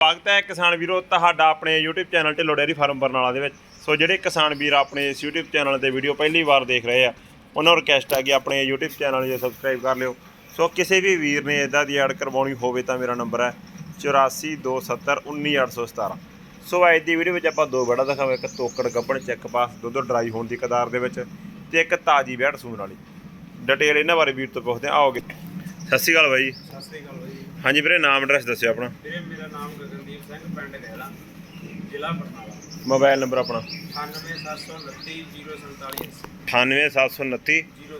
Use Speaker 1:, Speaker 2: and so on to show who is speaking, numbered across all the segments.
Speaker 1: स्वागत है किसान वीरो तुहाडा अपने YouTube channel Dhillon dairy farm Barnala दे विच। सो जिहड़े किसान वीर अपने इस यूट्यूब चैनल ते वीडियो पहली बार देख रहे हैं उन्होंने रिक्वेस्ट है कि अपने यूट्यूब चैनल जो सबसक्राइब कर लियो। सो किसी भी वीर ने इदां दी ऐड करवाउणी होवे तां मेरा नंबर है 842719 सो अज की वीडियो में आपां दो वैड़ा दिखावे, एक तोकड़ गब्बण चैक पास दुध ड्राई होने की कदार दे विच ते एक ताज़ी वैड़ सूण वाली। डिटेल इन्हां बारे वीर तो पुछदे आओगे। सत श्री अकाल भाई।
Speaker 2: सत श्री अकाल भाई।
Speaker 1: हाँ जी वीरे, नाम एड्रैस दस्सिओ अपना।
Speaker 2: ਵੀਰੇ ਮੇਰਾ ਨਾਮ ਗਗਨਦੀਪ ਸਿੰਘ, ਪਿੰਡ ਗਹਿਲਾ, ਜ਼ਿਲ੍ਹਾ ਬਰਨਾਲਾ।
Speaker 1: मोबाइल नंबर अपना
Speaker 2: 9879304780
Speaker 1: 9879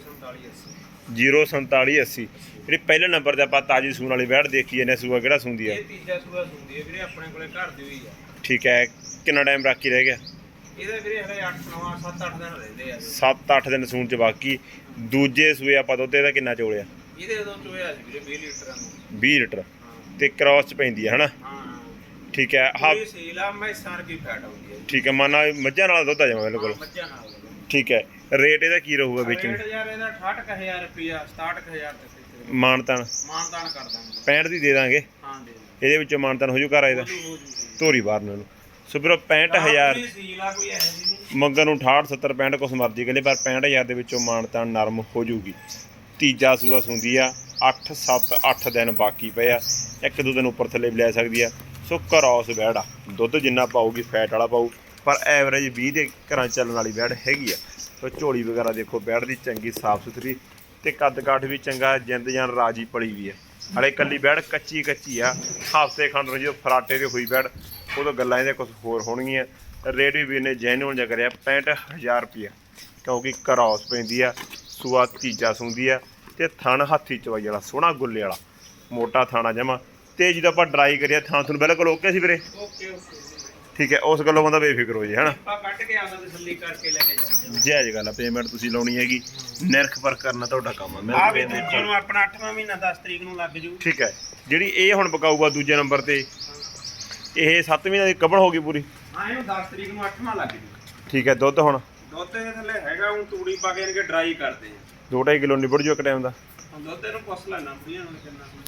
Speaker 1: 04780। ਜਿਹੜੀ ਪਹਿਲੇ ਨੰਬਰ ਤੇ ਆਪਾਂ ਤਾਜੀ ਸੂਣ ਵਾਲੀ ਵੈੜ ਦੇਖੀ ਇਹਨੇ ਸੂਆ ਕਿਹੜਾ ਸੁੰਦੀ ਆ?
Speaker 2: ਇਹ ਤੀਜਾ ਸੂਆ ਸੁੰਦੀ ਹੈ ਵੀਰੇ, ਆਪਣੇ ਕੋਲੇ ਘਰ ਦੀ ਹੋਈ ਆ।
Speaker 1: ਠੀਕ ਹੈ, ਕਿੰਨਾ ਟਾਈਮ ਬਾਕੀ ਰਹਿ ਗਿਆ?
Speaker 2: ਇਹਦੇ ਵੀਰੇ ਹਲੇ 7-8 ਦਿਨ ਰਹਿੰਦੇ ਆ।
Speaker 1: 7-8 ਦਿਨ ਸੂਣ ਚ ਬਾਕੀ। ਦੂਜੇ ਸੂਏ ਆਪਾਂ ਦੁੱਧ ਇਹਦਾ ਕਿੰਨਾ ਚੋਲਿਆ?
Speaker 2: ਇਹਦੇ ਉਦੋਂ ਚੋਇਆ ਸੀ ਵੀਰੇ 20 ਲੀਟਰ ਨੂੰ।
Speaker 1: 20 ਲੀਟਰ ਤੇ ਕ੍ਰਾਸ ਚ ਪੈਂਦੀ ਹੈ ਹਨਾ?
Speaker 2: ਹਾਂ
Speaker 1: ਠੀਕ ਹੈ। ਹਾਂ
Speaker 2: ਇਹ ਸੇਲਾ ਮੈਂ ਸਾਰ ਕੀ ਫੈਟ ਆਉਂਦੀ ਹੈ।
Speaker 1: ਠੀਕ ਹੈ, ਮੰਨਾ ਮੱਝਾਂ ਨਾਲ ਦੁੱਧ ਆ ਜਾਵਾਂ ਬਿਲਕੁਲ।
Speaker 2: ਮੱਝਾਂ ਨਾਲ
Speaker 1: ਠੀਕ ਹੈ, ਰੇਟ ਇਹਦਾ ਕੀ ਰਹੂਗਾ ਵਿੱਚ?
Speaker 2: ਰੇਟ ਯਾਰ ਇਹਦਾ 68000 ਰੁਪਿਆ, 67000 ਤੱਕ
Speaker 1: ਮਾਨਤਾਨ
Speaker 2: ਮਾਨਤਾਨ ਕਰ ਦਾਂਗੇ।
Speaker 1: 65 ਦੀ ਦੇ ਦਾਂਗੇ।
Speaker 2: ਹਾਂ ਦੇ
Speaker 1: ਇਹਦੇ ਵਿੱਚੋਂ ਮਾਨਤਾਨ ਹੋ ਜੂ ਘਰ ਇਹਦਾ?
Speaker 2: ਹੋ ਜੂ
Speaker 1: ਧੋਰੀ ਬਾਹਰ ਨੂੰ ਸੋ ਵੀਰੋ 65000
Speaker 2: ਸੀਲਾ ਕੋਈ ਐ ਨਹੀਂ
Speaker 1: ਮੰਗਣ ਨੂੰ 68 70 65 ਕੁਛ ਮਰਜੀ ਕਹਿੰਦੇ, ਪਰ 65000 ਦੇ ਵਿੱਚੋਂ ਮਾਨਤਾਨ ਨਰਮ ਹੋ ਜੂਗੀ। ਤੀਜਾ ਸੂਆ ਸੁੰਦੀ ਆ, 8-7-8 ਦਿਨ ਬਾਕੀ ਪਏ ਆ, ਇੱਕ ਦੋ ਦਿਨ ਉੱਪਰ ਥੱਲੇ ਵੀ ਲੈ ਸਕਦੀ ਆ। ਸੋ ਕਰੌਸ ਵੈੜ ਆ, ਦੁੱਧ ਜਿੰਨਾ ਪਾਊਗੀ ਫੈਟ ਵਾਲਾ ਪਾਊ, ਪਰ ਐਵਰੇਜ 20 ਦੇ ਘਰਾਂ ਚੱਲਣ ਵਾਲੀ ਵੈੜ ਹੈਗੀ ਆ। ਸੋ ਝੋਲੀ ਵਗੈਰਾ ਦੇਖੋ ਵੈੜ ਦੀ ਚੰਗੀ ਸਾਫ ਸੁਥਰੀ ਤੇ ਕੱਦ ਕਾਠ ਵੀ ਚੰਗਾ, ਜਿੰਦ ਜਾਨ ਰਾਜੀ ਪਲੀ ਵੀ ਆ। ਹਲੇ ਕੱਲੀ ਵੈੜ ਕੱਚੀ ਆ, ਹਫ਼ਤੇ ਖੰਡ ਨੂੰ ਜਦੋਂ ਫਰਾਟੇ ਤੇ ਹੋਈ ਵੈੜ ਉਦੋਂ ਗੱਲਾਂ ਇਹਦੇ ਕੁਛ ਹੋਰ ਹੋਣਗੀਆਂ। ਰੇਟ ਵੀ ਵੀਰ ਨੇ ਜੈਨੂਅਲ ਜਿਹਾ ਕਰਿਆ 65000 ਰੁਪਈਆ, ਕਿਉਂਕਿ ਕਰੌਸ ਪੈਂਦੀ ਆ। ਸੂਆ ਤੀਜਾ ਸੁੰਦੀ ਆ ਤੇ ਥਣ ਹੱਥੀ ਚਵਾਈ ਵਾਲਾ ਸੋਹਣਾ ਗੁੱਲੇ ਵਾਲਾ ਮੋਟਾ ਥਾਣਾ ਜਮਾ। ਤੇ ਜਦੋਂ ਆਪਾਂ ਡਰਾਈ ਕਰਿਆ ਥਾਂ ਤੁਹਾਨੂੰ ਬਿਲਕੁਲ ਓਕੇ ਸੀ ਵੀਰੇ?
Speaker 2: ਓਕੇ ਓਕੇ
Speaker 1: ਠੀਕ ਹੈ, ਉਸ ਗੱਲੋਂ ਬੰਦਾ ਬੇਫਿਕਰ ਹੋ ਜੇ ਹਨਾ।
Speaker 2: ਆਪਾਂ ਕੱਟ ਕੇ ਆਦਾ ਤਸੱਲੀ ਕਰਕੇ ਲੈ ਕੇ ਜਾਵਾਂਗੇ।
Speaker 1: ਜਾਇਜ਼ ਗੱਲ ਆ, ਪੇਮੈਂਟ ਤੁਸੀਂ ਲਾਉਣੀ ਹੈਗੀ, ਨਿਰਖ ਪਰ ਕਰਨਾ ਤੁਹਾਡਾ ਕੰਮ ਆ।
Speaker 2: ਆ ਵੀ ਦੂਜੇ ਨੂੰ ਆਪਣਾ 8ਵਾਂ ਮਹੀਨਾ 10 ਤਰੀਕ ਨੂੰ ਲੱਗ ਜੂ।
Speaker 1: ਠੀਕ ਹੈ, ਜਿਹੜੀ ਇਹ ਹੁਣ ਪਕਾਊਗਾ ਦੂਜੇ ਨੰਬਰ ਤੇ, ਇਹ 7 ਮਹੀਨੇ ਦੀ ਕਬੜ ਹੋ ਗਈ ਪੂਰੀ?
Speaker 2: ਹਾਂ ਇਹਨੂੰ 10 ਤਰੀਕ ਨੂੰ 8ਵਾਂ ਲੱਗ ਜੂ।
Speaker 1: ਠੀਕ ਹੈ, ਦੁੱਧ ਹੁਣ
Speaker 2: ਦੁੱਧ ਦੇ ਥੱਲੇ ਹੈਗਾ, ਹੁਣ ਤੂੜੀ ਪਾ ਕੇ ਇਹਨੂੰ ਡਰਾਈ ਕਰਦੇ ਆ।
Speaker 1: 2.5 ਕਿਲੋ ਨਿਬੜ ਜੂ ਇੱਕ ਟਾਈਮ ਦਾ।
Speaker 2: ਹੁਣ ਦੁੱਧ ਇਹਨੂੰ ਪੁੱਛ ਲੈਣਾ ਬੁੜੀਆਂ ਨੂੰ ਕਿੰਨਾ ਹੁੰਦਾ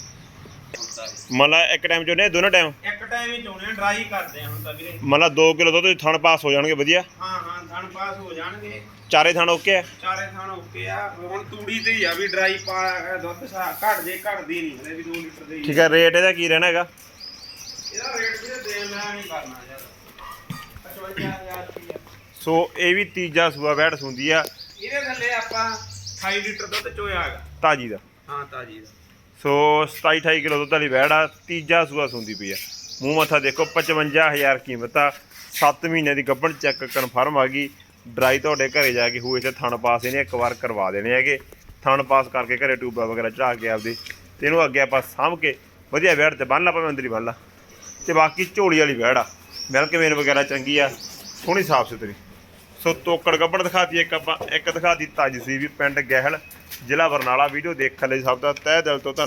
Speaker 1: ਮਤਲਬ ਇੱਕ ਟਾਈਮ ਚੋਂ ਨੇ ਦੋਨੋਂ ਟਾਈਮ?
Speaker 2: ਇੱਕ ਟਾਈਮ ਹੀ ਚੋਣੇ ਡਰਾਈ ਕਰਦੇ ਆ ਹੁਣ ਤਾਂ ਵੀਰੇ।
Speaker 1: ਮਤਲਬ 2 ਕਿਲੋ ਦੁੱਧ ਥਣ ਪਾਸ ਹੋ ਜਾਣਗੇ ਵਧੀਆ?
Speaker 2: ਹਾਂ ਹਾਂ ਥਣ ਪਾਸ ਹੋ ਜਾਣਗੇ,
Speaker 1: ਚਾਰੇ ਥਣ ਓਕੇ ਆ?
Speaker 2: ਚਾਰੇ ਥਣ ਓਕੇ ਆ। ਹੁਣ ਤੂੜੀ ਤੇ ਹੀ ਆ ਵੀ ਡਰਾਈ ਪਾ ਦੁੱਧ ਘਟ ਜੇ ਘਟਦੀ ਨਹੀਂ ਹਲੇ ਵੀ 2 ਲੀਟਰ ਦੇ ਹੀ।
Speaker 1: ਠੀਕ ਹੈ, ਰੇਟ ਇਹਦਾ ਕੀ ਰਹਿਣਾ ਹੈਗਾ?
Speaker 2: ਇਹਦਾ ਰੇਟ ਵੀਰੇ ਦੇਣ ਲੈਣਾ ਨਹੀਂ ਕਰਨਾ ਯਾਰ, 55000 ਰੁਪਏ।
Speaker 1: ਸੋ ਇਹ ਵੀ ਤੀਜਾ ਸੂਆ ਵੈੜ ਸੁੰਦੀ ਆ।
Speaker 2: ਇਹਦੇ ਥੱਲੇ ਆਪਾਂ 28 ਲੀਟਰ ਦੁੱਧ ਚੋਇਆ ਹੈਗਾ
Speaker 1: ਤਾਜੀ ਦਾ।
Speaker 2: ਹਾਂ ਤਾਜੀ ਦਾ।
Speaker 1: ਸੋ 27-28 ਕਿਲੋ ਦੁੱਧ ਵਾਲੀ ਵੈੜ ਆ, ਤੀਜਾ ਸੂਆ ਸੁੰਦੀ ਪਈ ਆ। ਮੂੰਹ ਮੱਥਾ ਦੇਖੋ, 55000 ਕੀਮਤ ਆ। 7 ਮਹੀਨਿਆਂ ਦੀ ਗੱਭਣ ਚੈੱਕ ਕਨਫਰਮ ਆ ਗਈ। ਡਰਾਈ ਤੁਹਾਡੇ ਘਰੇ ਜਾ ਕੇ ਹੋਏ ਤੇ ਥਣ ਪਾਸ ਇਹਨੇ ਇੱਕ ਵਾਰ ਕਰਵਾ ਦੇਣੇ ਹੈਗੇ। ਥਣ ਪਾਸ ਕਰਕੇ ਘਰੇ ਟੂਬਾ ਵਗੈਰਾ ਚੜਾ ਕੇ ਆਪਦੇ ਤੇ ਇਹਨੂੰ ਅੱਗੇ ਆਪਾਂ ਸਾਂਭ ਕੇ ਵਧੀਆ ਵੈੜ ਤੇ ਬੰਨ ਲਾ, ਭਾਵੇਂ ਅੰਦਰ ਹੀ ਬੰਨ ਲਾ। ਤੇ ਬਾਕੀ ਝੋਲੀ ਵਾਲੀ ਵੈੜ ਆ, ਮਿਲਕ ਮੇਨ ਵਗੈਰਾ ਚੰਗੀ ਆ, ਸੋਹਣੀ ਸਾਫ ਸੁਥਰੀ। ਸੋ ਤੋਕੜ ਗੱਭਣ ਦਿਖਾਤੀ ਇੱਕ ਆਪਾਂ, ਇੱਕ ਦਿਖਾਤੀ ਤਾਜੀ ਸੂਈ ਵੀ, ਪਿੰਡ ਗਹਿਲ, ਜ਼ਿਲ੍ਹਾ ਬਰਨਾਲਾ। ਵੀਡੀਓ ਦੇਖਣ ਲਈ ਸਭ ਦਾ ਤਹਿ ਦਿਲ ਤੋਂ ਧੰਨਵਾਦ।